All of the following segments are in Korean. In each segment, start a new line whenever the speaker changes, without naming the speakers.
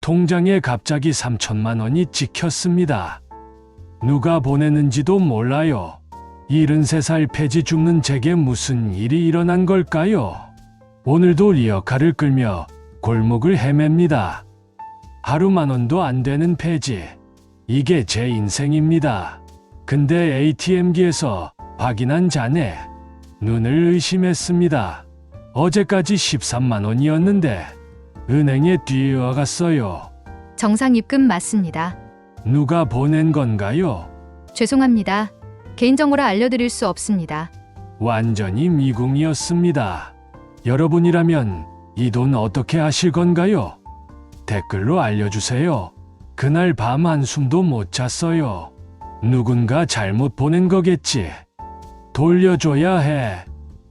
통장에 갑자기 3천만 원이 찍혔습니다. 누가 보내는지도 몰라요. 73살 폐지 죽는 제게 무슨 일이 일어난 걸까요? 오늘도 리어카를 끌며 골목을 헤맵니다. 하루 10,000원도 안 되는 폐지. 이게 제 인생입니다. 근데 ATM기에서 확인한 잔액. 눈을 의심했습니다. 어제까지 13만 원이었는데 은행에 뛰어갔어요.
정상 입금 맞습니다.
누가 보낸 건가요?
죄송합니다. 개인정보라 알려드릴 수 없습니다.
완전히 미궁이었습니다. 여러분이라면 이 돈 어떻게 하실 건가요? 댓글로 알려주세요. 그날 밤 한숨도 못 잤어요. 누군가 잘못 보낸 거겠지. 돌려줘야 해.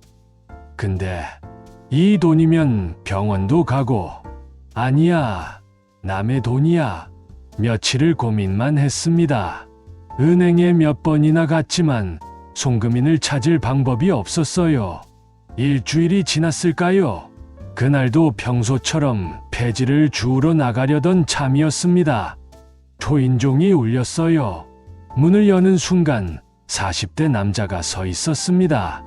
근데 이 돈이면 병원도 가고. 아니야, 남의 돈이야. 며칠을 고민만 했습니다. 은행에 몇 번이나 갔지만 송금인을 찾을 방법이 없었어요. 일주일이 지났을까요? 그날도 평소처럼 폐지를 주우러 나가려던 참이었습니다. 초인종이 울렸어요. 문을 여는 순간 40대 남자가 서 있었습니다.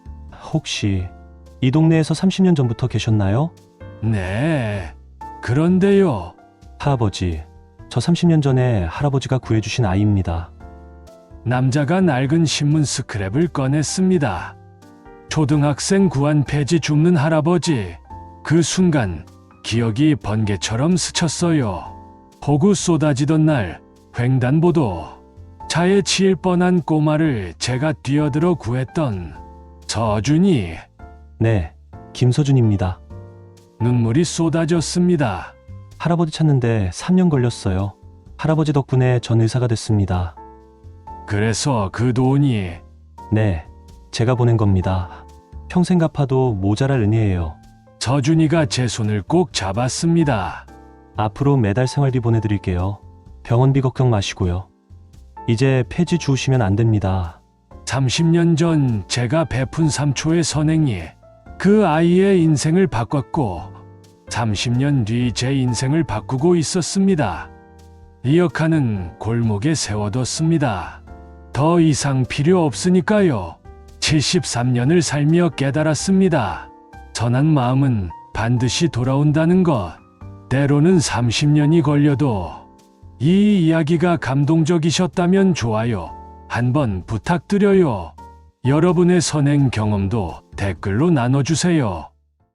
혹시 이 동네에서 30년 전부터 계셨나요?
네, 그런데요.
할아버지, 저 30년 전에 할아버지가 구해주신 아이입니다.
남자가 낡은 신문 스크랩을 꺼냈습니다. 초등학생 구한 폐지 줍는 할아버지. 그 순간 기억이 번개처럼 스쳤어요. 폭우 쏟아지던 날 횡단보도. 차에 치일 뻔한 꼬마를 제가 뛰어들어 구했던 서준이.
네, 김서준입니다.
눈물이 쏟아졌습니다.
할아버지 찾는데 3년 걸렸어요. 할아버지 덕분에 전 의사가 됐습니다.
그래서 그 돈이.
네, 제가 보낸 겁니다. 평생 갚아도 모자랄 은혜예요.
서준이가 제 손을 꼭 잡았습니다.
앞으로 매달 생활비 보내드릴게요. 병원비 걱정 마시고요. 이제 폐지 주우시면 안 됩니다.
30년 전 제가 베푼 3초의 선행이 그 아이의 인생을 바꿨고 30년 뒤 제 인생을 바꾸고 있었습니다. 리어카는 골목에 세워뒀습니다. 더 이상 필요 없으니까요. 73년을 살며 깨달았습니다. 선한 마음은 반드시 돌아온다는 것. 때로는 30년이 걸려도. 이 이야기가 감동적이셨다면 좋아요 한번 부탁드려요. 여러분의 선행 경험도 댓글로 나눠주세요.